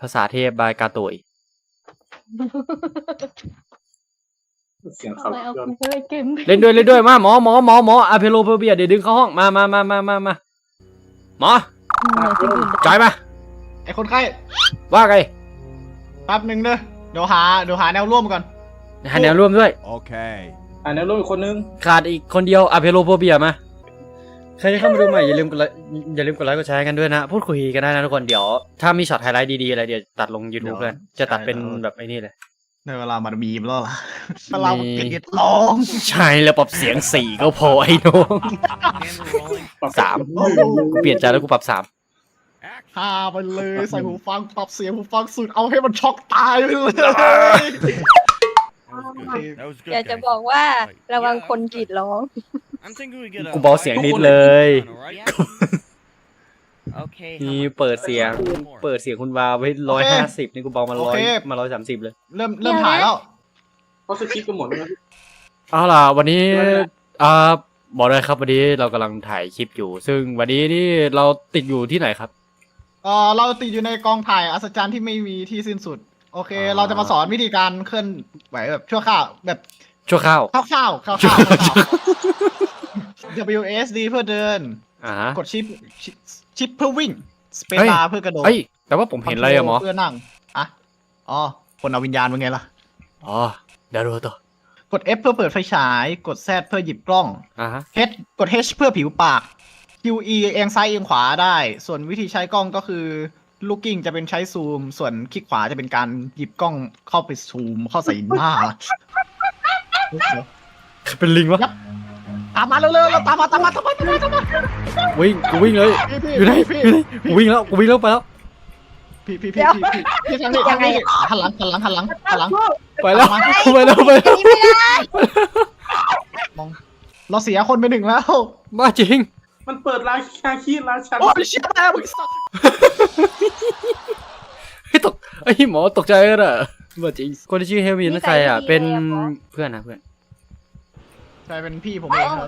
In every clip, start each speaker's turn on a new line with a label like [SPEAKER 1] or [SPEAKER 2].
[SPEAKER 1] ภาษาเทพบายกาโตย
[SPEAKER 2] เสียงเขา
[SPEAKER 1] เล่นด้วยมาหมออะเพโลเพอร์เบียเดี๋ยวดึงเข้าห้องมาหมอจอยมา
[SPEAKER 3] ไอคนไข้
[SPEAKER 1] ว่าไง
[SPEAKER 3] แป๊บหนึ่งเนอะเดี๋ยวหาแนวร่วมก่อน
[SPEAKER 1] หาแนวร่วมด้วย
[SPEAKER 4] Okay.
[SPEAKER 2] แนวร่วมอีกคนนึง
[SPEAKER 1] ขาดอีกคนเดียวอะเพโลเพอร์เบียมาใครที่เข้ามาดูใหม่อย่าลืมกดไลค์กดแชร์กันด้วยนะพูดคุยกันได้นะทุกคนเดี๋ยวถ้ามีช็อตไฮไลท์ดีๆอะไรเดี๋ยวตัดลง YouTube เลยจะตัดเป็นแบบไอ้นี่เลย
[SPEAKER 3] ในเวลามันมีมแล้วล่ะเวลามันกรีดร้อง
[SPEAKER 1] ใช่แล้วปรับเสียง4ก็พอไอ้น้อง3กูเปลี่ยนใจแล้วกูปรับ3
[SPEAKER 3] พาไปเลยใส่หูฟังปรับเสียงหูฟังสุดเอาให้มันช็อกตายไปเลย
[SPEAKER 4] That was good.
[SPEAKER 5] อยากจะบอกว่าระวังคนกรีดร้อง
[SPEAKER 1] กูเบาเสียงนิดเลย
[SPEAKER 4] Okay.
[SPEAKER 1] นี่เปิดเสียงคุณวาวไว้150นี่กูเบามา100มา130เลย
[SPEAKER 3] เริ่มถ่ายแล้ว
[SPEAKER 2] เขาสคริปต์กันหมดแล้ว
[SPEAKER 1] เอาล่ะวันนี้บอกเลยครับวันนี้เรากำลังถ่ายคลิปอยู่ ซึ่งวันนี้นี่เราติดอยู่ที่ไหนครับ
[SPEAKER 3] เราติดอยู่ในกองถ่ายอัศจรรย์ที่ไม่มีที่สิ้นสุดโอเค เราจะมาสอนวิธีการเคลื่อนไหวแบบชั่วข้าวแบบ
[SPEAKER 1] ชั่วข้าว
[SPEAKER 3] คร่าวWSD เพื่อเดิน กดชิปเพื่อวิ่งสเปซบาร์เพื่อกระโดด
[SPEAKER 1] เอ้ยแต่ว่าผมเห็นอะไรอะหมอ
[SPEAKER 3] เพื่อนั่งอ๋อคนเอาวิญญาณเป็นไงล่ะ
[SPEAKER 1] อ๋อเดี๋ยวดูต่อก
[SPEAKER 3] ด F เพื่อเปิดไฟฉายกด Z เพื่อหยิบกล้อง H กด H เพื่อผิวปาก QE เอียงซ้ายเอียงขวาได้ ส่วนวิธีใช้กล้องก็คือ looking จะเป็นใช้ซูม ส่วนคลิกขวาจะเป็นการหยิบกล้องเข้าไปซูมเข้าใส่หน้า
[SPEAKER 1] เป็นลิงวะ
[SPEAKER 3] ตามมาเร็วๆเราตามมา
[SPEAKER 1] วิ่งกูวิ่งเลยอยู่ไหนกูวิ่งแล้วไปแล้ว
[SPEAKER 3] พี่ทางนี้หันหลัง
[SPEAKER 1] ไปแล้ว
[SPEAKER 3] มองเราเสียคนไปหนึ่งแล้ว
[SPEAKER 1] บ้าจริง
[SPEAKER 2] มันเปิดร้านคาคีร้านชัน
[SPEAKER 3] โอ้ยเชี่ยแม่มึงสัตว์
[SPEAKER 1] ไอ้หมอตกใจเลยอะบ้าจริงคนที่ชื่อเฮลมินนั่นใครอะเป็นเพื่อน
[SPEAKER 3] ใช่เป็นพี่ผมเองครับ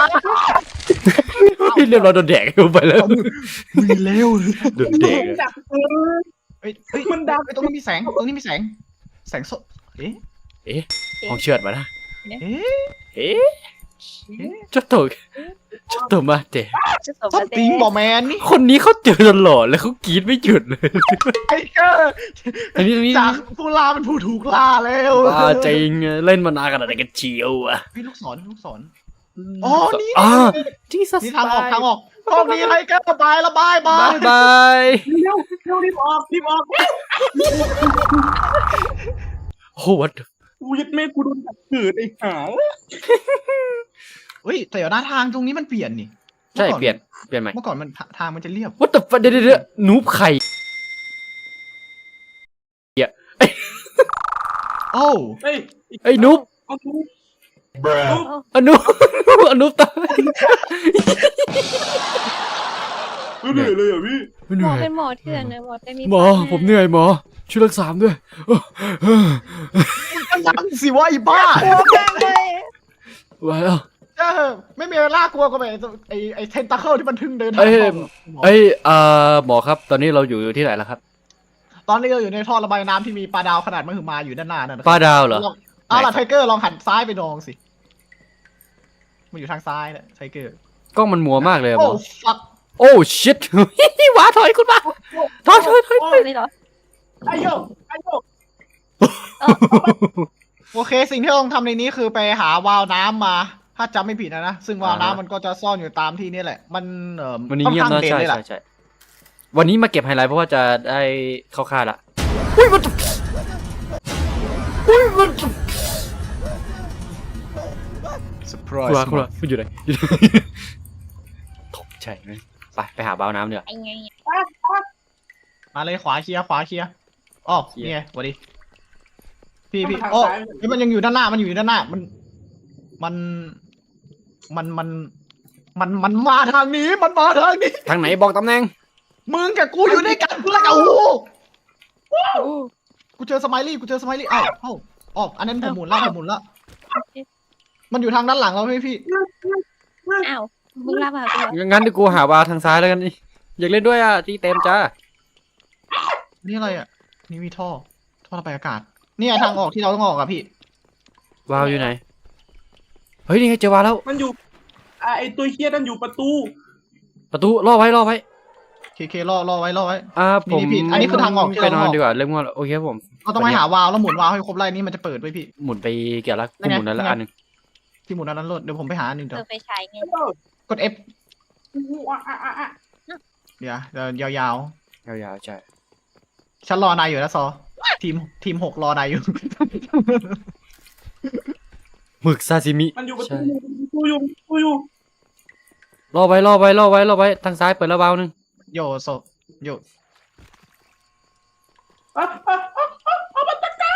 [SPEAKER 1] เรียบร้อยโดนแดกไปแล้ว
[SPEAKER 3] มึงเร็ว
[SPEAKER 1] โดนแดก
[SPEAKER 3] เฮ้ยมันดำตรงนี้มีแสงแสงสดเอ๊ะ
[SPEAKER 1] ห้องเชือดมานะ
[SPEAKER 3] เอ๊ะ
[SPEAKER 1] ちょっと待って
[SPEAKER 3] สติงบอแมนนี่
[SPEAKER 1] คนนี้เขาเจอตลอดแล้วเขากรีดไม่หยุดเลย
[SPEAKER 3] ไอ้เก้อ
[SPEAKER 1] อันนี้
[SPEAKER 3] จากผู้ล่าเป็นผู้ถูกล่าแล้ว
[SPEAKER 1] บ้าจริงเล่นมานานขนาดไหนกันเชียวอะ
[SPEAKER 3] พี่ลูกศรอ๋อนี่
[SPEAKER 1] จีซัส
[SPEAKER 3] นี่ทางออกห้องนี้ไทเกอร์บายละบาย
[SPEAKER 1] บาย
[SPEAKER 2] เร็วรีบออก
[SPEAKER 1] โอ้วัด
[SPEAKER 2] กูยัดแม่กูโดนจับขืนไอ้หา
[SPEAKER 3] เฮ้ยแต่เดี๋ยวหน้าทางตรงนี้มันเปลี่ยนนี่
[SPEAKER 1] ใช่เปลี่ยนใหม่
[SPEAKER 3] เมื่อก่อนมันทางมันจะเรียบ
[SPEAKER 1] วัดแต่เดี๋ยวนูบไข่
[SPEAKER 3] โอ้
[SPEAKER 2] เฮ้ย
[SPEAKER 1] นูบนูบตาย
[SPEAKER 2] เหนื่อยเลยอ่ะพี่
[SPEAKER 1] เหนื่
[SPEAKER 5] หมอ
[SPEAKER 1] อย
[SPEAKER 5] เป็นหมอเถื่อนนะหมอแต่มี
[SPEAKER 1] หมอผมเหนื่อยหมอช่วยรักษาด้วย
[SPEAKER 3] ยังสิวะไอ้บ้า
[SPEAKER 1] ว้าว
[SPEAKER 3] ไม่มีเวลากลัวกับไอ้เทนตาเคิลที่มันทึ่งเดิน
[SPEAKER 1] หมอครับตอนนี้เราอยู่ที่ไหนแล้วครับ
[SPEAKER 3] ตอนนี้เราอยู่ในท่อระบายน้ำที่มีปลาดาวขนาดมหึมาอยู่ด้านหน้านั่น
[SPEAKER 1] ปลาดาวเหรอ
[SPEAKER 3] เอาล่ะไทเกอร์ลองหันซ้ายไปมองสิมันอยู่ทางซ้ายนะไทเกอร์
[SPEAKER 1] กล้องมันมัวมากเลยหม
[SPEAKER 3] โอ้
[SPEAKER 1] อ
[SPEAKER 3] ฟัก
[SPEAKER 1] โอ้ชิตหวาถอยคุณมาถอย
[SPEAKER 5] เลยเหรอ
[SPEAKER 2] ไอ้โย
[SPEAKER 3] โอเคสิ่งที่ต้องทำในนี้คือไปหาวาล์วน้ำมา ถ้าจำไม่ผิดนะซึ่งวาล์วน้ำมันก็จะซ่อนอยู่ตามที่นี่แหละมัน
[SPEAKER 1] วันนี้
[SPEAKER 3] ค่อน
[SPEAKER 1] เงียบ
[SPEAKER 3] ข้าง
[SPEAKER 1] นะ
[SPEAKER 3] เด่นเลยล่ะ
[SPEAKER 1] ใช่วันนี้มาเก็บไฮไลท์เพราะว่าจะได้เข้าค่ายละอุ้ยมันคุณละอยู่ไหนตกใจไหมไปหาบ้าวน้ำเดี๋ยว
[SPEAKER 5] ไอ้ไง
[SPEAKER 3] มาเลยขวาเคลียร์อ๋อนี่ไงสวัสดีพี่โอ้มันยังอยู่ด้านหน้ามันมาทางนี้
[SPEAKER 1] ทางไหนบอกตำแหน่ง
[SPEAKER 3] มึงกับกูอยู่ด้วยกันแล้วกันกูเจอสไมลี่อ้าวอันนั้นผมหมุนละมันอยู่ทางด้านหลังเราพี่
[SPEAKER 5] อ้าวมึงลาบากู
[SPEAKER 1] งั้นเดี๋ยวกูหาบ้าวทางซ้ายแล้วกันอยากเล่นด้วยอ่ะตีเต็มจ้า
[SPEAKER 3] นี่อะไรอ่ะนี่มีท่อระบายอากาศเนี่ยทางออกที่เราต้องออกอะพี่
[SPEAKER 1] วาวอยู่ไหนเฮ้ยนี่ไงเจอวาวแล้ว
[SPEAKER 2] มันอยู่ไอตัวเฮียนั่นอยู่ประตู
[SPEAKER 1] ประตูล่อไว้
[SPEAKER 3] เครอไว้
[SPEAKER 1] ผม
[SPEAKER 3] นี่พี่อันนี้คือทางออกที่
[SPEAKER 1] ไป
[SPEAKER 3] เรา
[SPEAKER 1] น
[SPEAKER 3] ต้
[SPEAKER 1] อ
[SPEAKER 3] อน งออก
[SPEAKER 1] ดีกว่าเริ่มง่วงแล้วโอเคครับผม
[SPEAKER 3] เราต้องไปหาวาล์วแล้วหมุนวาล์วให้ครบไล่นี่มันจะเปิดไว้พี่
[SPEAKER 1] หมุนไปเกี่ยวแล้ว
[SPEAKER 3] นั่นไง
[SPEAKER 1] หมุนนั้นละอันหนึง
[SPEAKER 3] ที่หมุนอันนั้นรถเดี๋ยวผมไปหาอันหนึง
[SPEAKER 5] เอ
[SPEAKER 3] เดี๋ยว
[SPEAKER 5] อไฟฉายไง
[SPEAKER 3] กด F เดี๋ยวยาว
[SPEAKER 1] ยาวๆใช่
[SPEAKER 3] ๆฉันรอนายอยู่นะซอทีม6รอนายอยู่
[SPEAKER 1] หมึกซาซิมิ
[SPEAKER 2] มันอยู่ประตู
[SPEAKER 1] ใช่
[SPEAKER 2] กูอยู่
[SPEAKER 1] ล่อไว้ทางซ้ายเปิดแล้ววาวหนึง
[SPEAKER 3] โยโซโย
[SPEAKER 2] มันตะกา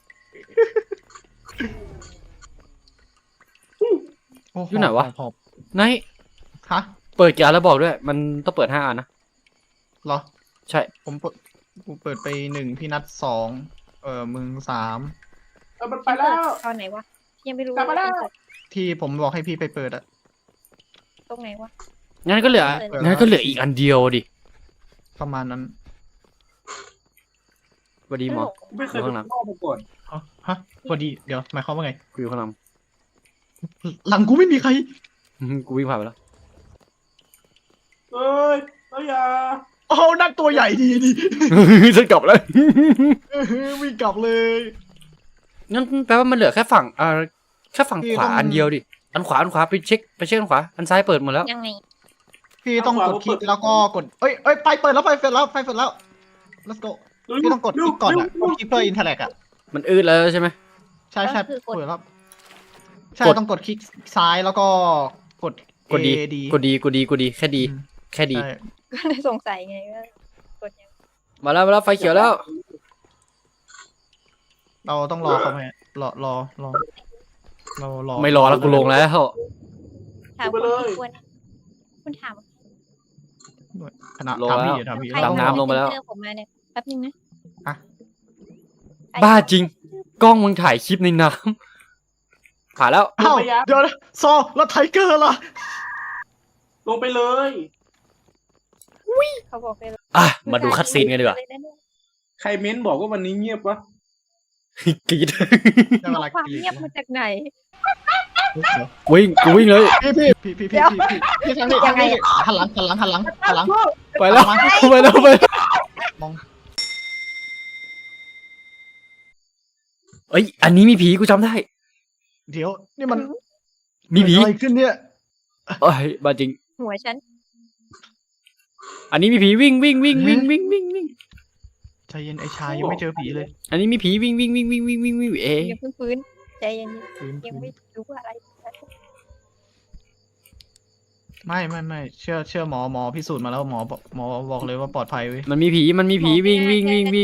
[SPEAKER 1] อยู่ไหนวะ
[SPEAKER 3] หอบ
[SPEAKER 1] ไหน
[SPEAKER 3] ฮะ
[SPEAKER 1] เปิดกี่อันแล้วบอกด้วย มันต้องเปิด5 อันนะ
[SPEAKER 3] เหรอ
[SPEAKER 1] ใช่
[SPEAKER 3] ผมเปิดไป1พี่นัด2มึง3
[SPEAKER 2] มันไปแล้ว
[SPEAKER 5] ตอนไหนวะยังไม่รู้
[SPEAKER 2] กลับมาแล้ว
[SPEAKER 3] ที่ผมบอกให้พี่ไปเปิดอะ
[SPEAKER 5] ตรงไหนวะ
[SPEAKER 1] งั้นก็เหลืออีกอันเดียวดิ
[SPEAKER 3] ประมาณนั้น
[SPEAKER 1] สวัสดีหมอ
[SPEAKER 2] ไม่เคยเป็นพ่อมาก่อน
[SPEAKER 3] ฮะพอดีเดี๋ยวหมายความว่าไง
[SPEAKER 1] กูอยู่ข้างหลัง
[SPEAKER 3] หลังกูไม่มีใคร
[SPEAKER 1] กูวิ่งผ่านไปแล้ว
[SPEAKER 2] เอ้ยอย่า
[SPEAKER 3] โอ้นั่นตัวใหญ่ดีดิ
[SPEAKER 1] ฉันกลับแล้ว
[SPEAKER 3] วิ่งกลับเลย
[SPEAKER 1] งั้นแปลว่ามันเหลือแค่ฝั่งแค่ฝั่ง
[SPEAKER 3] พี่
[SPEAKER 1] ขวา
[SPEAKER 3] ต้อง
[SPEAKER 1] อันเดียวดิ อันขวาไปเช็คอันขวา อันซ้ายเปิดหมดแล้ว
[SPEAKER 5] ยังไง
[SPEAKER 3] พี่ต้องกดคลิกแล้วก็กดเอ้ยไฟเปิดแล้ว let's go พี่ต้องกดคลิกก่อนอะกดคลิกเพื่ออินเทอร์แลกอะ
[SPEAKER 1] มันอืดแล้วใช่ไหม
[SPEAKER 3] ใช่
[SPEAKER 5] ก็คือกด
[SPEAKER 3] เปิดแล้วใช่
[SPEAKER 1] กด
[SPEAKER 3] ต้องกดคลิกซ้ายแล้วก็กด
[SPEAKER 1] กดดี
[SPEAKER 3] A D
[SPEAKER 1] กดดีแค่ดี
[SPEAKER 3] อืม
[SPEAKER 1] แค่ดี
[SPEAKER 3] ใช่
[SPEAKER 5] ก็เลยสงสัยไงว่ากดยัง
[SPEAKER 1] มาแล้วไฟเขียวแล้ว
[SPEAKER 3] เราต้องรอเขาไหมรอ
[SPEAKER 1] ไม่รอแล้วกูลงแล้ว
[SPEAKER 5] ถามคนที่ควรคุณถาม
[SPEAKER 3] ขณะ
[SPEAKER 1] ลง
[SPEAKER 3] ถาม
[SPEAKER 1] แล้ว
[SPEAKER 3] พี่ถามพี่
[SPEAKER 5] ใคร
[SPEAKER 1] ดำน้ำลงไปแล้ว
[SPEAKER 5] เจอผมมาเนี่ยแป๊บนึงนะ
[SPEAKER 3] อะ
[SPEAKER 1] บ้าจริง กล้องมึงถ่ายคลิปในน้ำผ่านแล้ว
[SPEAKER 3] อ้าวเดี๋ยวนะซอแล้วไทเกอร์ล่ะ
[SPEAKER 2] ลงไปเลย
[SPEAKER 5] เขาบอกไปเลย
[SPEAKER 1] อ่ะ มาดูคัดซีนกันดีกว่า
[SPEAKER 2] ใครเม้นบอกว่าวันนี้เงียบวะ
[SPEAKER 1] กรีด
[SPEAKER 3] ได้เวลา
[SPEAKER 5] ความ
[SPEAKER 3] กรีด
[SPEAKER 5] เงียบมาจากไหน
[SPEAKER 1] กูวิ่งเลย
[SPEAKER 3] พี่ทางนี้ยังไงหันหลัง
[SPEAKER 1] ไปแล้ว
[SPEAKER 3] มอง
[SPEAKER 1] เอ้ย อันนี้มีผีกูจำได้
[SPEAKER 3] เดี๋ยวนี่มัน
[SPEAKER 1] มีผี
[SPEAKER 3] อะไรขึ้นเนี่ย
[SPEAKER 1] เอ้ยบ้าจริง
[SPEAKER 5] หัวฉัน
[SPEAKER 1] อันนี้มีผีวิ่ง
[SPEAKER 3] ใจเย็นไอ้ชายยังไม่เจอผีเลย
[SPEAKER 1] อันนี้มีผีวิ่งเอ๊ะ
[SPEAKER 5] ยังเพิ่งฟื้นใจเย็น
[SPEAKER 3] ฟื้น
[SPEAKER 5] ๆยังไม่รู้ว่าอะไร
[SPEAKER 3] ไม่เชื่อหมอพิสูจน์มาแล้วหมอบอกเลยว่าปลอดภัยเว้ย
[SPEAKER 1] มันมีผีวิ่งมันมี
[SPEAKER 3] เชื่อ
[SPEAKER 1] ผี
[SPEAKER 3] หมอ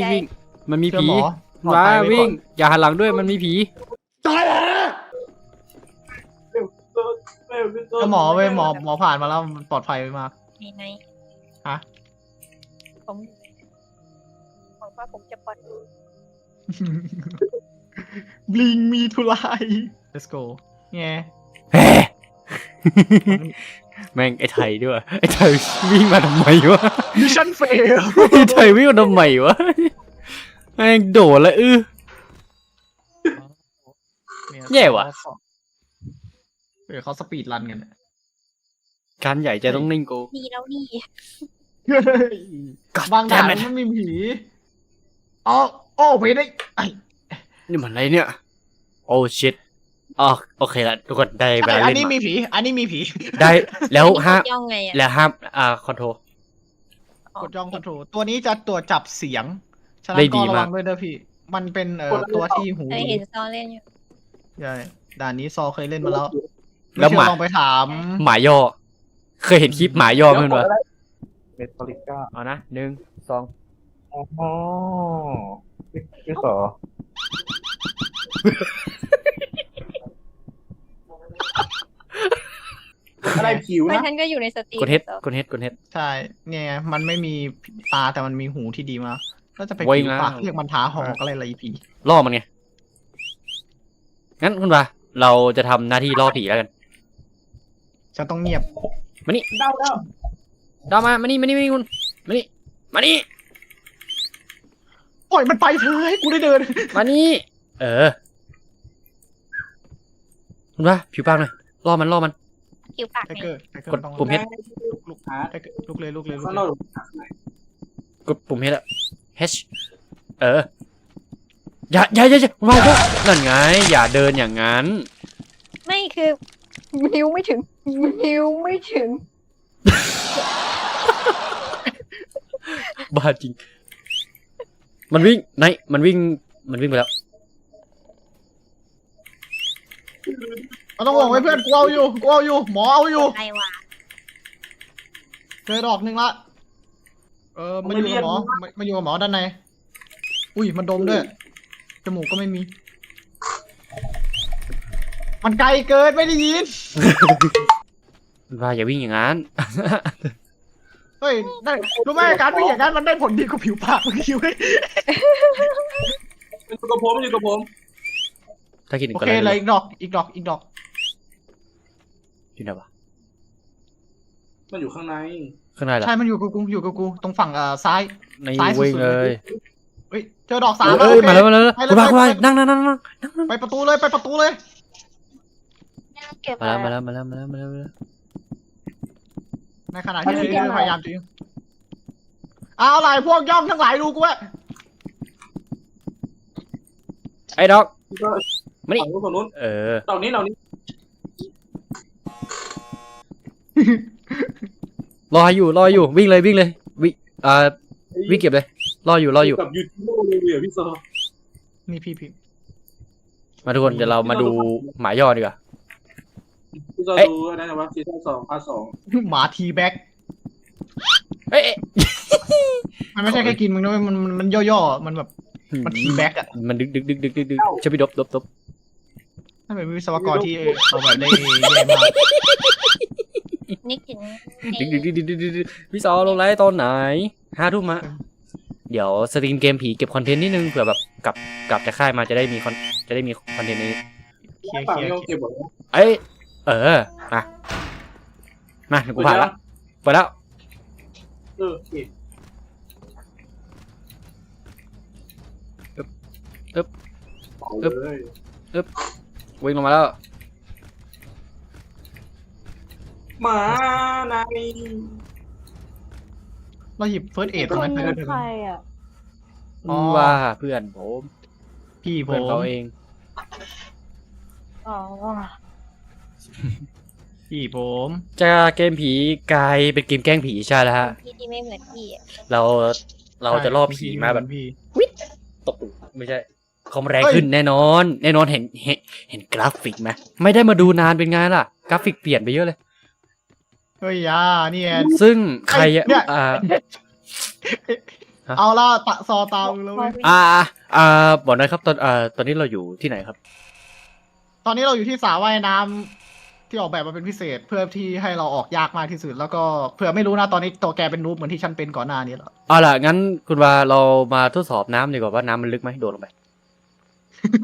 [SPEAKER 3] ปลอด
[SPEAKER 1] ว้า
[SPEAKER 3] ภัยไว้
[SPEAKER 1] วิ่ง
[SPEAKER 3] ก่อน
[SPEAKER 1] อย่าหันหลังด้วยมันมีผี
[SPEAKER 3] เชื่อหมอเว้ยหมอผ่านมาแล้วมันปลอดภัยไว้มาก
[SPEAKER 5] มีไหน
[SPEAKER 3] ฮะ
[SPEAKER 5] ผมบอกว่าผมจะปลอด
[SPEAKER 3] Bring me to life let's go ไง
[SPEAKER 1] แหมแม่งไอ้ไทยด้วยไอ้ไทยวิ่งมาทำไมวะ
[SPEAKER 3] mission fail
[SPEAKER 1] ไอ้ไทยวิ่งมาทำไมวะแม่งโดดแล้วแย่ว่ะ
[SPEAKER 3] เขาสปีดรันกัน
[SPEAKER 1] การใหญ่ใจต้องนิ่งกู
[SPEAKER 5] ดีแล้วนี่
[SPEAKER 3] บางด่านมันไม่มีผีโอ้ผีได้ไอ้
[SPEAKER 1] นี่มันอะไรเนี่ย โอ้ชิตอ๋อโอเคละทุกคนได้เวลา
[SPEAKER 3] อัน
[SPEAKER 1] เล่น
[SPEAKER 3] นี้
[SPEAKER 1] มา
[SPEAKER 3] มีผีอันนี้มีผี
[SPEAKER 1] ได้แล้วห้าม
[SPEAKER 5] ย่องไงอ่ะ
[SPEAKER 1] แล้วห้ามคอนโทร
[SPEAKER 3] กดย่องคอนโทรลตัวนี้จะตรวจจับเสียงฉะนั้
[SPEAKER 1] ได้
[SPEAKER 3] น
[SPEAKER 1] ดี
[SPEAKER 3] ก็ระ
[SPEAKER 1] มา
[SPEAKER 3] วั
[SPEAKER 1] ก
[SPEAKER 3] งด้วยเด้อพี่ มันเป็นตัวที่หู
[SPEAKER 5] เคยเห็นซอเล่นอยู่
[SPEAKER 3] ใช่ด่านนี้ซอเคยเล่นมาแล้ว
[SPEAKER 1] แล้ว
[SPEAKER 3] ไม่
[SPEAKER 1] หมา
[SPEAKER 3] เชื่อลองไปถาม
[SPEAKER 1] หมาย่อ เคยเห็นคลิปหมาย่อไหมวะ
[SPEAKER 2] เมทัลลิก้า
[SPEAKER 1] เอานะ1 2
[SPEAKER 2] อ๋อพี่สออะไรผิว
[SPEAKER 5] เพราะ
[SPEAKER 2] นะ
[SPEAKER 5] ฉันก็อยู่ในสตรีม
[SPEAKER 1] กดเฮด
[SPEAKER 5] ซอก
[SPEAKER 1] ดเฮด
[SPEAKER 3] ใช่เนี่ยไงมันไม่มีตาแต่มันมีหูที่ดีมากก็จะไป
[SPEAKER 1] วิ่
[SPEAKER 3] กิ
[SPEAKER 1] ง
[SPEAKER 3] น
[SPEAKER 1] แล้ว
[SPEAKER 3] ปากเรียกมันท้าหอกอะไรผี
[SPEAKER 1] ล่อมันไง งั้นคุณปาเราจะทำหน้าที่ล่อผีแล้วกัน
[SPEAKER 3] ฉันต้องเงียบ
[SPEAKER 2] เดา
[SPEAKER 1] ดาวมานี่คุณมานี่
[SPEAKER 3] โอ้ยล่อยมันไปเถอะให้กูได้เดิน
[SPEAKER 1] มานี่คุณว่าผิวปากหน่อยล่อมัน
[SPEAKER 5] ผิวปาก
[SPEAKER 3] ไท
[SPEAKER 5] นี่
[SPEAKER 3] เกอร์
[SPEAKER 1] กดปุ่ม
[SPEAKER 3] ลุกไทเกอร์ลุกเลย
[SPEAKER 2] ข้างนอก
[SPEAKER 1] กดปุ่มเฮดอะ H อย่าคุณว่านั่นไงอย่าเดินอย่างนั้น
[SPEAKER 5] ไม่คือนิ้วไม่ถึง
[SPEAKER 1] บ้าจริง มันวิ่งมันวิ่งไปแล้ว
[SPEAKER 3] มันต้องห่วงไว้เพื่อนกูเอาอยู่หมอเอาอยู่
[SPEAKER 5] อะไรวะ
[SPEAKER 3] เจอดอกหนึ่งละมาอยู่กับหมอมาอยู่กับหมอด้านในอุ้ยมันดมด้วยจมูกก็ไม่มี มันไกลเกินไม่ได้ยิน
[SPEAKER 1] คุณว่าอย่าวิ่งอย่างนั้น
[SPEAKER 3] เฮ้ยได้รู้ไหมการวิ่งอย่างนั้นมันได้ผลดีกว่าผิวปากเมื่อกี้เว้ย
[SPEAKER 2] อยู่กับผม
[SPEAKER 1] ถ้าคิดถึง
[SPEAKER 3] โอ
[SPEAKER 1] ก็
[SPEAKER 3] เค
[SPEAKER 1] ได้
[SPEAKER 3] เลยอีกดอก
[SPEAKER 1] อยู่ไหนวะ
[SPEAKER 2] มันอยู่ข้างใน
[SPEAKER 1] ข้างในเหรอ
[SPEAKER 3] ใช่มันอยู่กับกูตรงฝั่งซ้าย
[SPEAKER 1] ใน
[SPEAKER 3] ซ้ายสุดๆ
[SPEAKER 1] วิ่งเลย
[SPEAKER 3] เฮ้ยเจอดอก3
[SPEAKER 1] เอ้ย
[SPEAKER 3] โอเค
[SPEAKER 1] มาแล้ว
[SPEAKER 3] ไปเลย
[SPEAKER 1] คุณว่านั่ง
[SPEAKER 3] ไปประตูเลย
[SPEAKER 5] เก็บ
[SPEAKER 1] มาแล้ว
[SPEAKER 3] ในขณะที่เธอพยายามจริงเอาอะไรพวกย่อมทั้งหลายดูกูเว้ย
[SPEAKER 1] ไอ้ดอก มานี่
[SPEAKER 2] ฝั่งนู้น ดอกนี้
[SPEAKER 1] รออยู่วิ่งเลยวิ่งวิ่งเก็บเลยรออยู่
[SPEAKER 2] กับยูทูบเลยพี่ซอ
[SPEAKER 3] นี่พี่
[SPEAKER 1] มาทุกคนเดี๋ยวเรามาดูหมาย่อดีกว่า
[SPEAKER 2] พี่ซอดูอะไรนะวะซีซั่น2 พาร์ท 2
[SPEAKER 3] หมาทีแบ็ก
[SPEAKER 1] เอ้ย
[SPEAKER 3] มันไม่ใช่แค่กินมึงนะมันย่อๆมันแบบมันทีแบ็กอ่ะ
[SPEAKER 1] มันดึกช่วยพี่ดบ
[SPEAKER 3] ถ้าเป็นวิศวกรที่เอาแบบได้แย่มาก
[SPEAKER 5] นึกถึง
[SPEAKER 1] ดึกพี่ซอลงไลฟ์ตอนไหน5 ทุ่มะเดี๋ยวสตรีมเกมผีเก็บคอนเทนต์นิดนึงเผื่อแบบกลับจากค่ายมาจะได้มีคอนเทนต์นี้
[SPEAKER 3] เคลียร์
[SPEAKER 2] ฝั่งนี้ต้องเก็บหมดแล้ว
[SPEAKER 1] เอ้ยมาเดี๋ยวกูผ่านละไปแล้ว
[SPEAKER 2] โอเคเลย
[SPEAKER 1] วิ่งลงมาแล้ว
[SPEAKER 2] หมาใน
[SPEAKER 3] เราหยิบเฟิร์สเอดตรงนั้น
[SPEAKER 5] ใครอ่ะ
[SPEAKER 1] ว่าเพื่อนผม
[SPEAKER 3] พี่ผ
[SPEAKER 1] เพื่อน
[SPEAKER 3] ม
[SPEAKER 1] เขาเอง
[SPEAKER 5] อ๋อ
[SPEAKER 3] พี่ผม
[SPEAKER 1] จะเกมผีกลายเป็นเกมแกล้งผีใช่แล้วฮะ
[SPEAKER 5] พี่ที่ไม่เหมือนพี่อะ
[SPEAKER 1] เราจะล่อผีมาแบบ
[SPEAKER 3] พี่
[SPEAKER 1] ตบไม่ใช่คอมแรงขึ้นแน่นอน เห็นกราฟิกไหมไม่ได้มาดูนานเป็นไงล่ะ กราฟิกเปลี่ยนไปเยอะเลย
[SPEAKER 3] เฮ้ยนี่
[SPEAKER 1] ซึ่งใคร
[SPEAKER 3] เนี่ย
[SPEAKER 1] ฮะ
[SPEAKER 3] เอาละตะซอตามแล้วเว้ย
[SPEAKER 1] บอกหน่อยครับตอนนี้เราอยู่ที่ไหนครับ
[SPEAKER 3] ตอนนี้เราอยู่ที่สระว่ายน้ำที่ออกแบบมาเป็นพิเศษเพื่อที่ให้เราออกยากมากที่สุดแล้วก็เผื่อไม่รู้นะตอนนี้ตัวแกเป็นนูบเหมือนที่ฉันเป็นก่อนหน้านี้แล้ว
[SPEAKER 1] เอาล่ะงั้นคุณว่าเรามาทดสอบน้ำดีกว่าว่าน้ำมันลึกไหมโดดลงไป
[SPEAKER 5] ไม่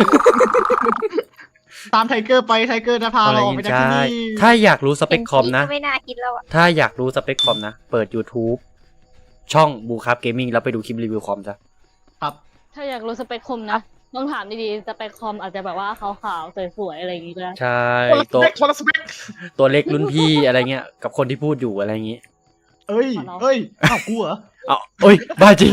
[SPEAKER 3] ตามไทเกอร์ไปไทเกอร์จะพาเราออกไปจากที่นี่
[SPEAKER 1] ถ้าอยากรู้สเปคคอมนะ
[SPEAKER 5] ก็ไม่น่าคิดแล้วอ่ะ
[SPEAKER 1] ถ้าอยากรู้สเปคคอมนะ เปิด YouTube ช่องบูคับเกมมิ่งแล้วไปดูคลิปรีวิวคอมซะ
[SPEAKER 3] ครับ
[SPEAKER 4] ถ้าอยากรู้สเปคคอมนะต้องถามดีๆสเปคคอมอาจจะแบบว่าขาวๆสวยๆอะไรอย่างงี้ก็ได้
[SPEAKER 1] ใช่
[SPEAKER 3] คนละสเปค
[SPEAKER 1] ตัวเล็กรุ่นพี่อะไรเงี้ยกับคนที่พูดอยู่อะไรเงี้ย
[SPEAKER 3] เอ้ยอ้าวกูเหรอ
[SPEAKER 1] เอาเอ้ยบ้าจริง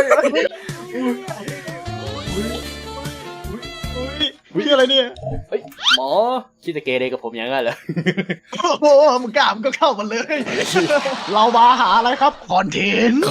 [SPEAKER 3] พี่อะไรเนี่ย
[SPEAKER 1] หมอคิดจะเกเรกับผมอย่างนั้นเหรอ
[SPEAKER 3] โอ้โหมึงกล้ามึงก็เข้ามาเลย เรามาหาอะไรครับคอนเทนต์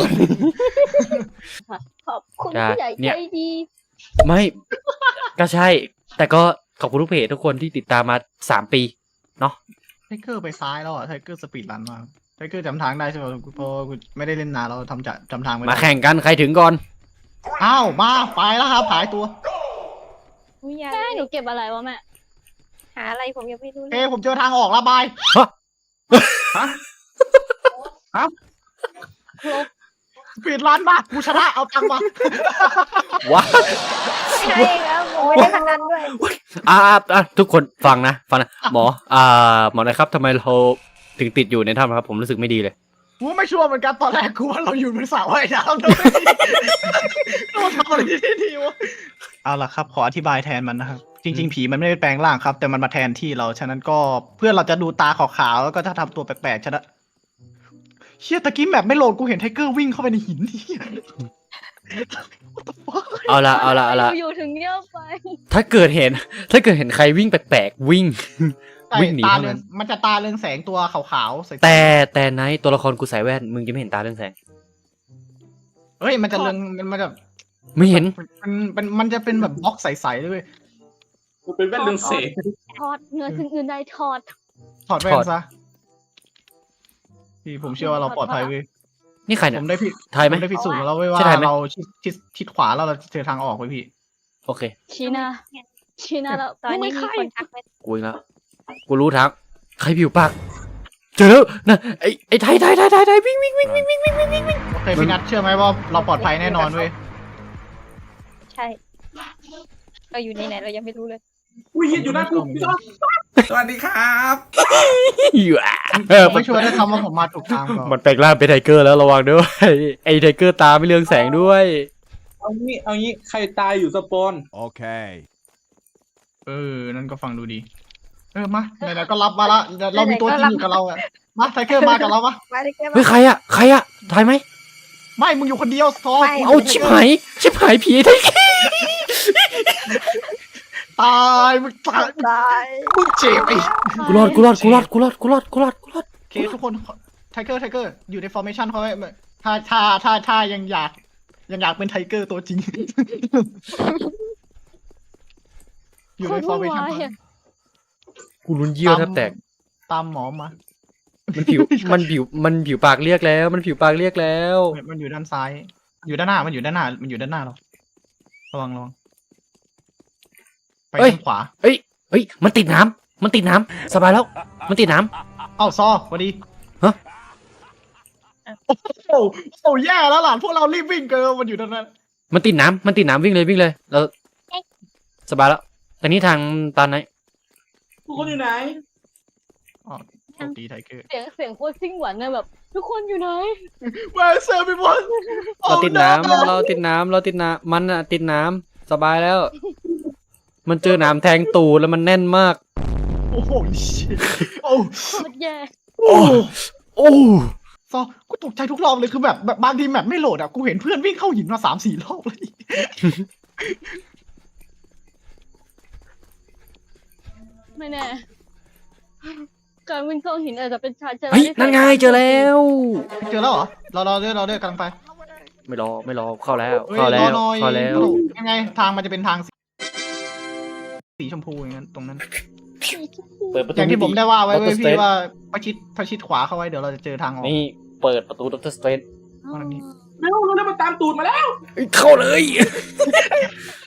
[SPEAKER 4] ขอบคุณ
[SPEAKER 1] ใช่
[SPEAKER 4] ผู้ใหญ่
[SPEAKER 1] เนี่
[SPEAKER 4] ใจ
[SPEAKER 1] ย
[SPEAKER 4] ดี
[SPEAKER 1] ไม่ก็ใช่ แต่ก็ขอบคุณทุกเพจทุกคนที่ติดตามมา3 ปีเนาะ
[SPEAKER 3] ไทเกอร์ไปซ้ายแล้วอ่ะไทเกอร์สปีดรันมาไทเกอร์จำทางได้ใช่ไหมเพราะกูไม่ได้เล่นนานเราจำทางไม่ได้
[SPEAKER 1] มาแข่งกันใครถึงก่อน
[SPEAKER 3] อ้าวมาไปแล้วครับหายตัว
[SPEAKER 5] อุ๊ยยา
[SPEAKER 4] แม่หนูเก็บอะไรวะแม่
[SPEAKER 5] หาอะไรผมยังไม่รู้เล
[SPEAKER 3] เอ้
[SPEAKER 5] ย
[SPEAKER 3] ผมเจอทางออกแล้วบาย สปีดรันมากูชนะเอาตังค์มา
[SPEAKER 1] ว้า
[SPEAKER 5] ไม่ใช่แล้วผมไม่ได้ทางนั้นด้วย
[SPEAKER 1] ทุกคนฟังนะหมอหมอนะครับทำไมเราถึงติดอยู่ในถ้ำครับผมรู้สึกไม่ดีเลย
[SPEAKER 3] กูไม่ชัวร์เหมือนกันตอนแรกกูว่าเราอยู่บนสระว่ายน้ำด้วยเราทำอะไรที่นี่วะเอาล่ะครับขออธิบายแทนมันนะครับจริง ๆ ผีมันไม่ได้แปลงร่างครับ แต่มันมาแทนที่เราฉะนั้นก็เพื่อเราจะดูตาขาวๆแล้วก็จะทำตัวแปลกๆฉะนั้นเชี่ยตะกี้แบบไม่โหลดกูเห็นไทเกอร์วิ่งเข้าไปในหินที่
[SPEAKER 1] เอาละเอาละเอาละ
[SPEAKER 4] อยู่ถึงเงียบไป
[SPEAKER 1] ถ้าเกิดเห็นใครวิ่งแปลกๆวิ่ง วิ่งหนี
[SPEAKER 3] ตา
[SPEAKER 1] เท่า
[SPEAKER 3] เรือ
[SPEAKER 1] นั้
[SPEAKER 3] ง
[SPEAKER 1] น
[SPEAKER 3] มันจะตาเรืองแสงตัวขาวๆใส่
[SPEAKER 1] แต่ไนท์ตัวละครกูใส่แว่นมึงจะไม่เห็นตาเรื่องแสง
[SPEAKER 3] เฮ้ยมันจะเรืองมันจะ
[SPEAKER 1] ไม่เห็น
[SPEAKER 3] มันจะเป็นแบบบล็อกใสๆด้วย
[SPEAKER 2] มันเป็นแว่นเรืองแสง
[SPEAKER 4] ทอดเงินถึงเงินได้ทอด
[SPEAKER 3] ถอดแว่นซะพี่ผมเชื่อว่าเราปลอดภัยเว้ย
[SPEAKER 1] นี่ใคร
[SPEAKER 3] ผ
[SPEAKER 1] เนี่ย
[SPEAKER 3] มได้พี่
[SPEAKER 1] ทายไหม
[SPEAKER 3] ผมได้พิสูจน์มาแล้วเว้ยว่า
[SPEAKER 1] ใช่ถ่ายไหม
[SPEAKER 3] เราชิดขวาแล้วเราจะเจอทางออกเว้ยพี่
[SPEAKER 1] โอเค
[SPEAKER 4] ชี้หน้าแล้ว
[SPEAKER 5] ตอนนี้มีคนทักไป
[SPEAKER 1] กูเองแล้วกูรู้ทางใครผิวปากเจอแล้วนะไอ้ไทยวิ่ง
[SPEAKER 3] โอเคพี่นัทเชื่อไหมว่าเราปลอดภัยแน่นอนเว้ย
[SPEAKER 5] ใช่เราอยู่ในไหนเรายังไม่รู้เลย
[SPEAKER 2] อุ้ยอยู่หน้ากูพี่ชอบสวัสดีครับ
[SPEAKER 1] อยู่อ่ะ
[SPEAKER 3] ผมไม่ชัวร์ได้คำว่าผมมาถูกทางเปล่า
[SPEAKER 1] มันแปลงร่างเป็นไทเกอร์แล้วระวังด้วยไอ้ไทเกอร์ตาไม่เรืองแสงด้วย
[SPEAKER 2] เอางี้ใครตายอยู่สปอน
[SPEAKER 6] Okay.
[SPEAKER 3] นั่นก็ฟังดูดีมาไหนๆก็รับมาละเรามีตัวจริงอยู่กับเราอะมาไทเกอร์มากับเราปะ
[SPEAKER 5] มาเลยแก
[SPEAKER 1] เฮ้ยใครอะทายไหม
[SPEAKER 3] ไม่มึงอยู่คนเดียวซอ
[SPEAKER 1] เอาชิบหายผีไอ้ไทเกอร์
[SPEAKER 3] ตายมึงตาย
[SPEAKER 5] ตาย
[SPEAKER 3] มึงเจ็บไอ้
[SPEAKER 1] กูรอด
[SPEAKER 3] โอเคทุกคนไทเกอร์อยู่ในฟอร์เมชันเขาไว้ถ้ายังอยากเป็นไทเกอร์ตัวจริง อยู่ในฟอร์เมชัน
[SPEAKER 1] กูลุ้นเยี่ยวแทบแตก
[SPEAKER 3] ตามหมอมา
[SPEAKER 1] มันผิวปากเรียกแล้ว มันผิวปากเรียกแล้ว
[SPEAKER 3] มันอยู่ด้านซ้าย อยู่ด้านหน้าเราระวังไปทางขวา
[SPEAKER 1] เฮ้ยมันติดน้ำสบายแล้ว มันติดน้
[SPEAKER 3] เอ้าซอพอดี
[SPEAKER 1] ฮะ
[SPEAKER 3] โอ้โหแย่แล้วหลานพวกเรารีบวิ่งเกินมันอยู่ด้านนั้น
[SPEAKER 1] ำมันติดน้ำวิ่งเลยเราสบายแล้วแต่นี้ทางตานไหน
[SPEAKER 2] ทุกคนอยู่ไหน
[SPEAKER 3] อ๋อโชคดีไทเกอร์
[SPEAKER 4] เสียงโคตรซิ่งหวานเนี่ยแบบ ทุกคนอยู่ไหน
[SPEAKER 3] Where is everyone
[SPEAKER 1] เราติดน้ำมันอะติดน้ำสบายแล้ว มันเจอน้ำแทงตูดแล้วมันแน่นมาก
[SPEAKER 3] โอ้โห shit โอ้
[SPEAKER 4] โคตรแย่
[SPEAKER 1] โอ้
[SPEAKER 3] ซอกูตกใจทุกรอบเลยคือแบบบางทีแมปไม่โหลดอ่ะกูเห็นเพื่อนวิ่งเข้าหินมา3-4 รอบเลย
[SPEAKER 4] ไม่แน่ การวิ่งเข้าหินอาจจะเป็นชาเจอ
[SPEAKER 1] เฮ้ยนั่นไงเจอแล้ว
[SPEAKER 3] เจอแล้วเหรอเราเด้อกำลังไป
[SPEAKER 1] ไม่รอเข้าแล้ว
[SPEAKER 3] เฮ้ย
[SPEAKER 1] เข้าแล้ว
[SPEAKER 3] รอหน่อย
[SPEAKER 1] เข้าแล้ว
[SPEAKER 3] ยังไงทางมันจะเป็นทางสีชมพูอย่างนั้นตรงนั้น
[SPEAKER 1] เปิดประตู
[SPEAKER 3] อย่างที่ผมได้ว่าไว้
[SPEAKER 1] Doctor
[SPEAKER 3] เว้ยพี่
[SPEAKER 1] Strange
[SPEAKER 3] ว่าประชิดขวาเข้าไว้เดี๋ยวเราจะเจอทางออก
[SPEAKER 1] นี่เปิดประตูด็อกเตอร์สเตรน
[SPEAKER 3] ตรงนี้
[SPEAKER 2] ไม่รู้แล้วมันตามตูดมาแล้ว
[SPEAKER 1] เข้าเลย